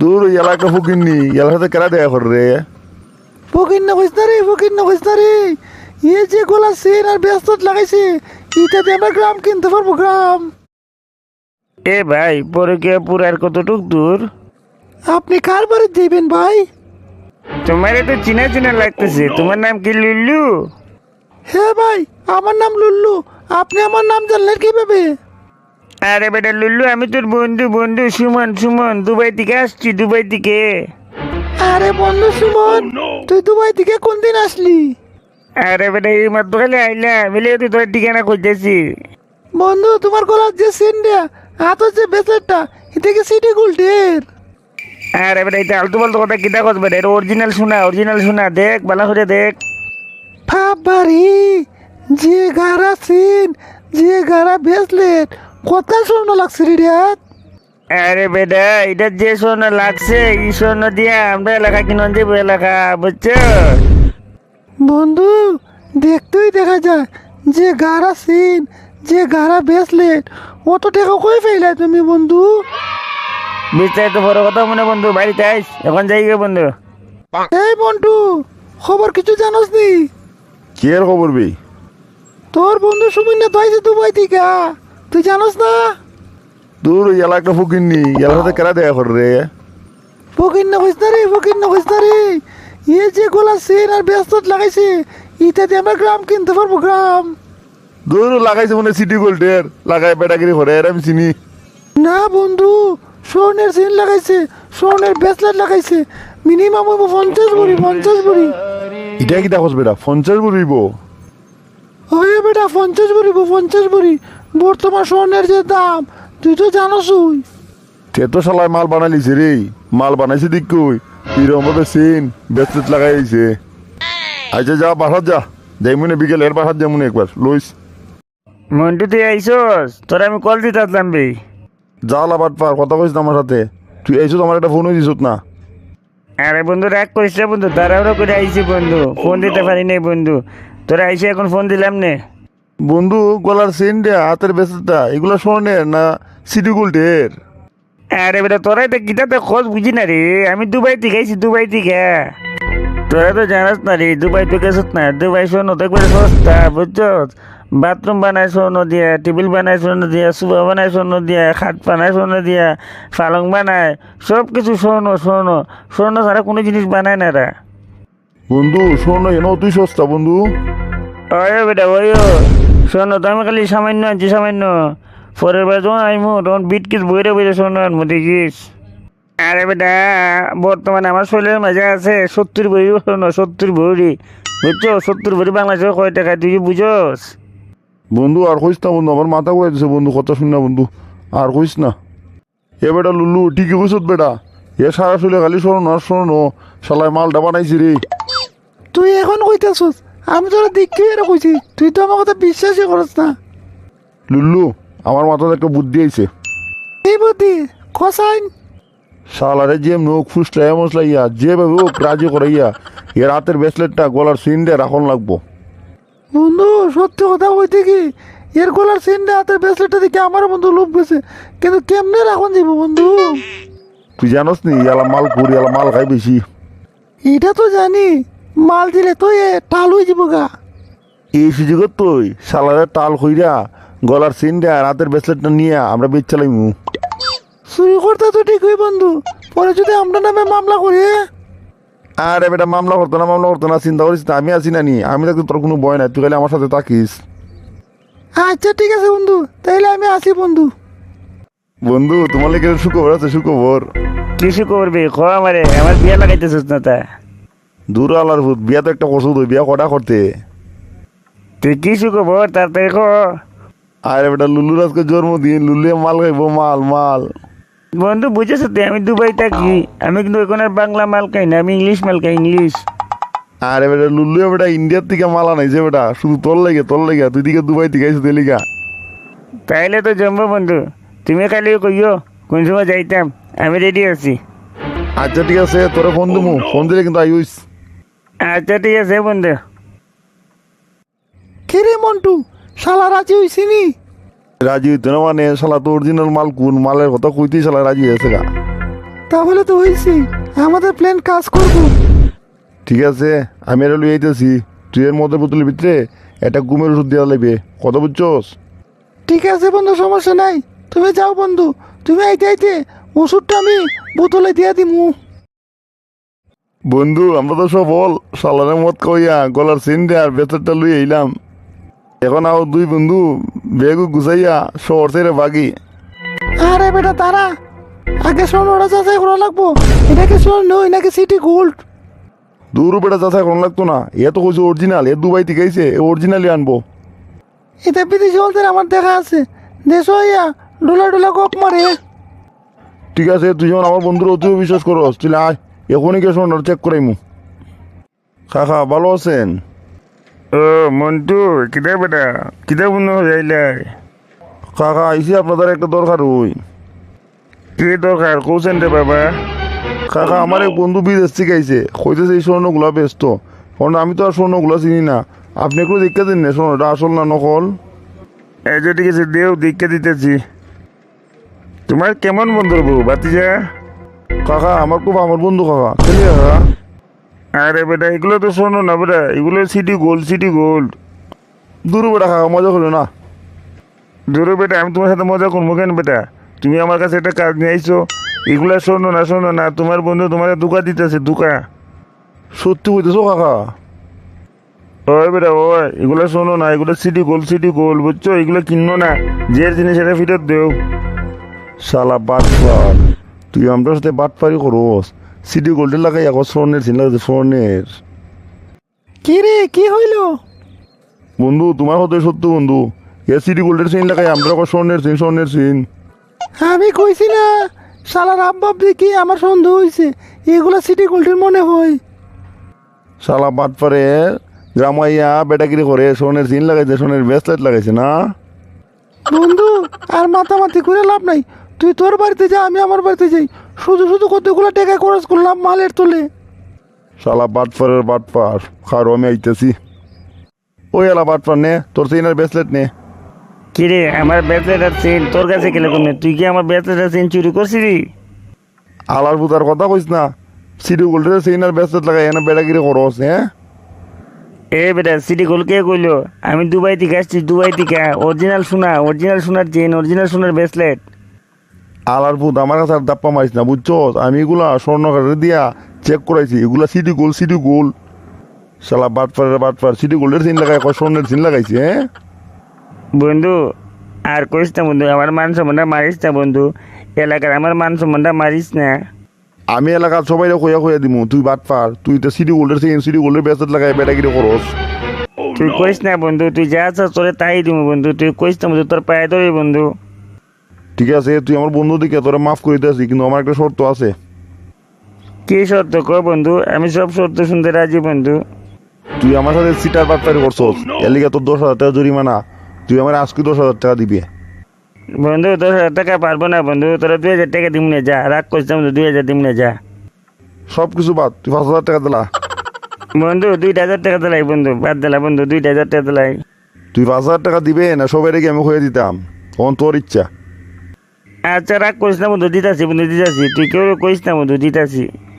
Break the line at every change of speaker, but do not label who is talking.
তোর ওই এলাকা ফকিরনি এলাকার সাথে কেরা দেখা কর রে?
ফকির না কইস না রে, ফকির না কইস না রে। এ যে গোলা সেন আর ব্যস্ত লাগাইছে, ইটাতে আমার গ্রাম কিনতে পারবো, গ্রাম।
এ ভাই পরে কে পুরার কতটুক দূর?
আপনি কার বাড়ি যাইবেন ভাই?
তোমার তো চিনা চিনা লাগতেছে, তোমার নাম কি লুল্লু?
হ্যাঁ ভাই, আমার নাম লুল্লু। আপনি আমার নাম জানলেন কিভাবে?
আরে বেটা লুল্লু, আমি তোর বন্ধু বন্ধু সুমন সুমন, দুবাই থেকে আসছি, দুবাই থেকে।
আরে বন্ধু সুমন, তুই দুবাই থেকে কোন দিন আসলি?
আরে বেটা এই মাত্র খালি আইলাম, মিলে তুই তোর ঠিকানা খুঁজতেছি।
বন্ধু, তোমার গলার যে সেনটা, হাতের যে বেসেটটা, এটা কি সিটি গোল্ডের?
আরে বেটা এটা আলতু বলতো কথা কিতা করবে, এটা অরিজিনাল শোনা, দেখ ভালো করে দেখ।
বাবারে, যে গারা সেন, যে গারা ব্রেসলেট, কত স্বর্ণ লাগছে রে রিয়াদ?
আরে বেটা এটা যে স্বর্ণ লাগছে, এই স্বর্ণ দিয়া আমরা এলাকা কিনন যাবো এলাকা, বুঝছো?
বন্ধু, দেখতেই দেখা যায় যে গারা সেন, যে গারা ব্রেসলেট, অত টাকা কই ফেলে তুমি বন্ধু?
বিস্তারিত বড় কথা মনে বন্ধু, বাড়িতে আইস, এখন যাই গে বন্ধু।
এই বন্ধু, খবর কিছু জানোস নি?
কি এর খবর বে?
তোর বন্ধু সুমিন তো আইছে দুবাই থেকে, তুই জানোস না?
তোর ওই এলাকা ফকিরনি এলাকার সাথে কেরা দেখা কর রে?
ফকির না কইস না রে, ফকির না কইস না রে। এ যে গোলা সেন আর ব্যস্ত লাগাইছে, ইটাতে আমরা গ্রাম কিনতে পারবো, গ্রাম।
তোর লাগাইছে মনে সিটি গোল্ডের লাগাই বেটাগিরি করে এর আমি চিনি।
না বন্ধু, স্বর্ণের সেন লাগাইছে, স্বর্ণের ব্রেসলেট লাগাইছে, মিনিমাম 50 ভরি।
এটা কি দেখোস বেটা 50 বলিব?
ওই বেটা 50 ভরি। বর্তমান স্বর্ণের যে দাম, তুই তো জানোসই।
তে তো শালায় মাল বানাইছে রে, মাল বানাইছে দিক কই এরকম ভাবে সিন ব্রেসলেট লাগাইছে। আচ্ছা যা বাসাত যা, যাই মনে বিকেল এর বাসাত যা মনে একবার লইস।
মন্টু তুই আইসস, তোর আমি কল দিতে আসলাম বে।
যা লাবাট পার কথা কইস না আমার সাথে, তুই এইসব আমার একটা ফোনও দিস না।
আরে বন্ধু রাগ করিস না বন্ধু, তাড়াহুড়ো করে আইছি বন্ধু, ফোন দিতে পারি নাই বন্ধু, তোরা আইসে এখন ফোন দিলাম নে।
বন্ধু গলার চেনটা হাতের বেসেটটা এগুলো স্বর্ণের না সিটি গোল্ডের?
আরে বেটা তোরাই তো গীতাতে খোঁজ বুঝি না রে, আমি দুবাই থেকে আইছি, দুবাই থেকে। তোরা তো জানাস না রে, দুবাই তো গেছত না, দুবাই স্বর্ণ তো একবারে সস্তা, বুঝছস? বাথরুম বানায় স্বর্ণ দিয়া, টেবিল বানায় স্বর্ণ দিয়া, সুবা বানায় স্বর্ণ দিয়া, খাট বানায় স্বর্ণ দিয়া, পালং বানায়, সব কিছু স্বর্ণ স্বর্ণ স্বর্ণ ছাড়া কোনো জিনিস বানায় না রা।
বন্ধু স্বর্ণ এনে তুই সস্তা বন্ধু।
ওই বেটা ওই স্বর্ণ তো আমি খালি সামান্য আনছি, সামান্য। পরের বার যখন আইমু তখন বিটকিস বইরে বইরে স্বর্ণ আনবো, দেখিস। আরে বেটা বর্তমানে আমার শরীরের মাঝে আছে 70 ভরি স্বর্ণ, 70 ভরি, বুঝছো? 70 ভরি বাংলাদেশে কয় টাকা তুই কি বুঝোস?
বন্ধু আর কইস না বন্ধু, আমার মাথা ঘুরাই দিছে বন্ধু, কথা শুন না বন্ধু, আর কইস না। এ বেটা লুল্লু ঠিকই কইস বেটা, এ সারা চলে খালি স্বর্ণ আর স্বর্ণ, শালায় মালটা বানাইছি রে।
তুই এখন কইতেছস, আমি তোরা দেখি এরা কইছি, তুই তো আমার কথা বিশ্বাসই করস না।
লুল্লু আমার মাথাতে একটা বুদ্ধি আইছে।
এই বুদ্ধি কসাইন?
শালারে যে নখ ফুসলা মশলা ইয়া যেভাবে ও রাজি করাইয়া এর হাতের ব্রেসলেটটা গলার সিনটা রাখন লাগবো।
বন্ধু সত্যি কথা কইতে কি, এর গলার সেনটা হাতের ব্রেসলেটটা দেখে আমার বন্ধু লোভ গেছে, কিন্তু কেমনে রাখন যাব বন্ধু?
তুই জানোস নি এলা মাল করি এলা মাল খাই বেশি।
এটা তো জানি, মাল দিলে তো এ টাল হয়ে যাব গা।
এই সুযোগে তুই শালারে টাল কইরা গলার সিনটা আর হাতের ব্রেসলেটটা নিয়ে আমরা বেচ চালাইমু।
চুরি করতে তো ঠিকই বন্ধু, পরে যদি আমরা নামে মামলা করি।
আরে বেটা মামলা করতো না চিন্তা করিস না, আমি আছি না নি, আমি থাকতে তোর কোনো ভয় নাই, তুই খালি আমার সাথে থাকিস।
আচ্ছা ঠিক আছে বন্ধু, তাইলে আমি আসি বন্ধু।
বন্ধু তোমার লেগে সুখবর আছে, সুখবর।
কিছু করবি খ আমারে, আমার বিয়া লাগাইতেছিস না তা?
দূর আলার ভূত, বিয়া তো একটা করছো, তুই বিয়া কটা করতে?
তুই কিছু খবর তাড়াতাড়ি খ।
আরে বেটা লুল্লুর আজকে জন্মদিন, লুল্লুয়ে মাল খাইবো, মাল মাল।
বন্ধু বুঝেছ তুই, আমি দুবাই থাকি, আমি কিন্তু ওখানে বাংলা মাল খাই না, আমি ইংলিশ মাল খাই, ইংলিশ।
আরে বেটা লুল্লুয়ে বেটা ইন্ডিয়ার থেকে মাল আনাইছে বেটা, শুধু তোর লেগে তুই দিকে দুবাই থেকে আইসো তেলিকা।
তাইলে তো জমবো বন্ধু, তুমি খালি কইও কোন সময় যাইতাম, আমি রেডি আছি।
আচ্ছা ঠিক আছে, তোরে ফোন দিমু, ফোন দিলে কিন্তু আইস।
আচ্ছা ঠিক আছে বন্ধু।
কে রে মন্টু, শালা রাজি হইছিনি?
রাজি হইতো না মানে, শালা তো অরিজিনাল মাল কোন মালের কথা কইতেই শালা রাজি হয়েছে গা।
তাহলে তো হয়েছি, আমাদের প্ল্যান কাজ করব।
ঠিক আছে, আমি এটা লুই আইতেছি। তুই এর মধ্যে বোতলের ভিতরে একটা ঘুমের ওষুধ দেওয়া লাগবে, কথা বুঝছস?
ঠিক আছে বন্ধু, সমস্যা নাই, তুমি যাও বন্ধু, তুমি আইতে আইতে ওষুধটা আমি বোতলে দিয়ে দিমু।
বন্ধু আমরা তো সফল, সালানের মত কইয়া গলার চেন আর বেতরটা লুই আইলাম। এখন আও দুই বন্ধু বেগু গুছাইয়া শহর ছেড়ে বাগি।
আরে বেটা তারা, আগে স্বর্ণটা যাচাই করা লাগবো, এটা কি স্বর্ণ নাকি সিটি গোল্ড।
দূর বেটা যাচাই কোন লাগতো না, এ তো কইছে অরিজিনাল, এ দুবাই থেকে আইছে, এ অরিজিনালি আনবো।
এটা বিদেশি হলদের আমার দেখা আছে, দেশ হইয়া ডোলা ডোলা গপ মারে।
ঠিক আছে, তুই যেমন আমার বন্ধুর অতি বিশ্বাস করস, তুই আয় এখনই গিয়ে শোন চেক করাইমু। কাকা ভালো আছেন?
ও মন্টু, কিতা বেটা কিতা মনে যাইলাই?
কাকা আইসি আপনাদের একটা দরকার হই।
কি দরকার কৌছেন রে বাবা?
কাকা আমার এক বন্ধু বিদেশ থেকে আইছে, কইতেছে এই স্বর্ণগুলা ব্যস্ত, কারণ আমি তো আর স্বর্ণগুলা চিনি না। আপনি একটু দেখতে দিন না স্বর্ণটা আসল না নকল।
এই যে ঠিক আছে, দেও দীক্ষা দিতেছি। তোমার কেমন বন্ধুর বউ বাতিজা?
কাকা আমার খুব আমার বন্ধু কাকা, খেলি কাকা।
আরে বেটা এগুলো তো শোনো না বেটা, এগুলো সিটি গোল্ড, সিটি গোল্ড।
দূর বেটা কাকা, মজা করো না।
ধরো বেটা, আমি তোমার সাথে মজা করবো কেন বেটা? তুমি আমার কাছে একটা কাজ নিয়ে আইছো, এগুলা শোনো না শোনো না, তোমার বন্ধু তোমার দুকা দিতেছে দুকা।
সত্যি হইতেছো কাকা?
ওই বেটা ওই, এগুলো শোনো না, এগুলো সিটি গোল্ড, সিটি গোল্ড, বুঝছো? এগুলো কিনো না, যে জিনিস সেটা ফেরত দেও।
শালা বাটপার, তুই আমার সাথে বাটপারি করস। সিটি গোল্ডের লাগাই এখন স্বর্ণের চিন্তা করছে, স্বর্ণের।
কি রে, কি হইল?
বন্ধু তোমার হতে সত্য বন্ধু, এ সিটি গোল্ডের চেইন লাগাই আমরা এখন স্বর্ণের চেইন, স্বর্ণের চেইন।
আমি কইছি না, শালার আব্বাব দেখি আমার সন্দেহ হয়েছে, এগুলা সিটি গোল্ডের মনে হয়।
শালা বাটপারে গ্রামাইয়া বেটাগিরি করে স্বর্ণের চেইন লাগাইছে, স্বর্ণের ব্রেসলেট লাগাইছে না।
বন্ধু আর মাতামাতি করে লাভ নাই, তুই তোর বাড়িতে যা, আমি আমার বাড়িতে যাই, শুধু শুধু কতগুলো টাকা খরচ করলাম মালের তোলে।
শালা বাটপারের বাটপার, খারো আমি আইতেছি। ওই এলা বাটপার নে তোর চেইনের ব্রেসলেট নে।
কিরে আমার ব্যাচলেট আর চেন তোর কাছে গেলে কমে? তুই কি আমার ব্যাচলেট আর চেন চুরি করছিলি?
আলার বুতার কথা কইস না, সিটি গোল্ডের চেইনের ব্রেসলেট লাগাই এনে বেটাগিরি করস হ্যাঁ।
এ বেটা সিটি গোল্ড কে কইলো? আমি দুবাই থেকে আসছি, দুবাই থেকে। অরিজিনাল সোনা, অরিজিনাল সোনার চেন, অরিজিনাল সোনার ব্রেসলেট।
আলার ভূত আমার কাছে আর দাপ্পা মারিস না বুঝছো, আমি এগুলা স্বর্ণ কার্ডে দিয়া চেক করাইছি, এগুলা সিটি গোল্ড, সিটি গোল্ড। শালা বাটপারের বাটপার, সিটি গোল্ডের চেইন লাগাই স্বর্ণের চেইন লাগাইছে হ্যাঁ।
বন্ধু আর কইস না বন্ধু, আমার মান সম্মানটা মারিস না বন্ধু, এলাকার আমার মান সম্মানটা মারিস না।
আমি এলাকার সবাই কইয়া কইয়া দিমু তুই বাটপার, তুই তো সিটি গোল্ডের চেইন, সিটি গোল্ডের ব্রেসলেট লাগাই বেটাগিরি করস।
তুই কইস না বন্ধু, তুই যা আছিস তোরে তাই দিব বন্ধু, তুই কইস না বন্ধু, তোর পায়ে ধরি বন্ধু।
ঠিক আছে, তুই আমার বন্ধু দিকে তোরা মাফ করে দিয়েছি, কিন্তু আমার একটা শর্ত আছে।
কি শর্ত ক বন্ধু? আমি সব শর্ত শুনতে রাজি বন্ধু।
তুই আমার সাথে সিটার বাটপারি করছস, এর লিগে তোর 10,000 টাকা জরিমানা, তুই আমার আজকে 10,000 টাকা দিবি।
বন্ধু 10,000 টাকা পারবো না বন্ধু, তোরা 2,000 টাকা দিব না, যা রাগ করছিস বন্ধু, 2,000 দিব না যা।
সব কিছু বাদ, তুই 5,000 টাকা দিলা।
বন্ধু 2,000 টাকা দিলাই বন্ধু, বাদ দিলা বন্ধু, 2,000 টাকা দিলাই।
তুই 5,000 টাকা দিবে না সবাই রেখে আমি হয়ে দিতাম, তখন তোর ইচ্ছা।
আচ্ছা রাগ করিস না বন্ধু, দিতাছি বন্ধু দিতাছি, তুই কেউ কইস না বন্ধু, দিতাছি।